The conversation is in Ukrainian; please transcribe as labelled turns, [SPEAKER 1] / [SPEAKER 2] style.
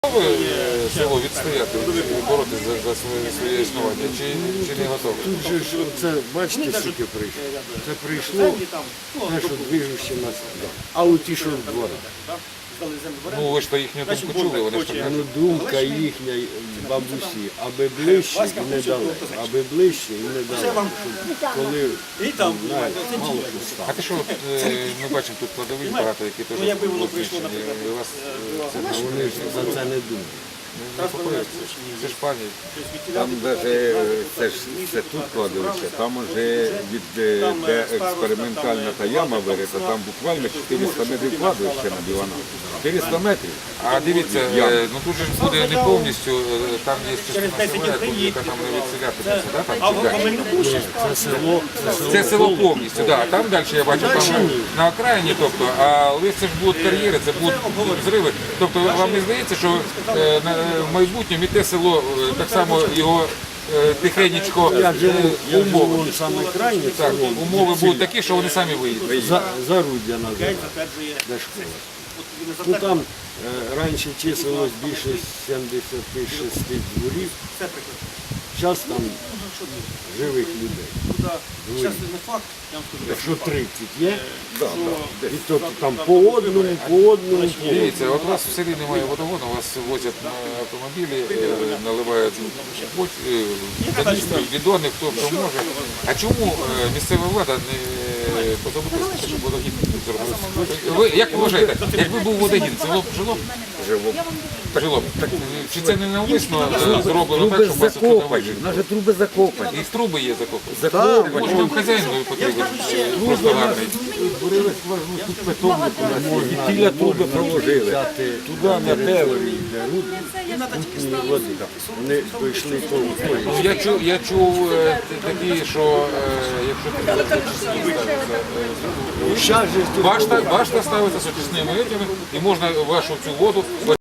[SPEAKER 1] Готові село відстояти, боротися за своє існування, чи не готові?
[SPEAKER 2] Тут же ж, це, бачите, скільки прийшло. Це прийшло те, що движуще нас. А у ті, що в дворах.
[SPEAKER 1] Ну ви ж то їхню думку чули, вони ж так
[SPEAKER 2] Ну, думка їхня бабусі, аби ближче і не дали, аби ближче і не дали, щоб коли знаєте, мало що стало.
[SPEAKER 1] А те, що ми бачимо тут кладовищ багато, які теж знищені, і вас це
[SPEAKER 2] А вони ж за це не думають.
[SPEAKER 1] не непокоїться. Це ж пам'ять.
[SPEAKER 3] Там даже це тут кладовище, там уже від де експериментальна та яма вирита, там буквально 400 метрів кладовища на Білана. 400 метрів.
[SPEAKER 1] А дивіться, ну тут же ж буде не повністю, там є частина села, яка там не відселятиметься, да? Там чи як?
[SPEAKER 2] Це село,
[SPEAKER 1] Це село повністю, да. Там далі я бачу, там на окраїні, тобто, але це ж будуть кар'єри, це будуть зриви. Тобто вам не здається, що в майбутньому і те село, так само його тихенечко
[SPEAKER 2] я живу
[SPEAKER 1] умови.
[SPEAKER 2] вон саме крайнє
[SPEAKER 1] Так,
[SPEAKER 2] село,
[SPEAKER 1] умови будуть такі, що вони самі виїдуть.
[SPEAKER 2] Заруддя називається, де школа. Ну там раніше числилось більше 76 дворів, зараз там живих людей. Дворів. Якщо 30 є, і то там по одному.
[SPEAKER 1] Дивіться, от у вас в селі немає водогону, вас возять на автомобілі, наливають каністри, бідони, хто може. А чому місцева влада не позаботилася, щоб водогін зробити? Як ви вважаєте, якби був водогін, село б жило? Жило б. Так, чи це не навмисно зроблено так, щоб вас туди вижити?
[SPEAKER 3] Наші труби закопані.
[SPEAKER 1] І труби є закопані. Може, там хазяїн потрібен, просто гарний.
[SPEAKER 3] І тіля труби проложили.
[SPEAKER 2] Туди на теорії беруть води. Вони дійшли того.
[SPEAKER 1] Ну, я чув такі, що якщо ти
[SPEAKER 2] Щас же ж тут
[SPEAKER 1] башта ставиться з очисними етями, і можна вашу цю воду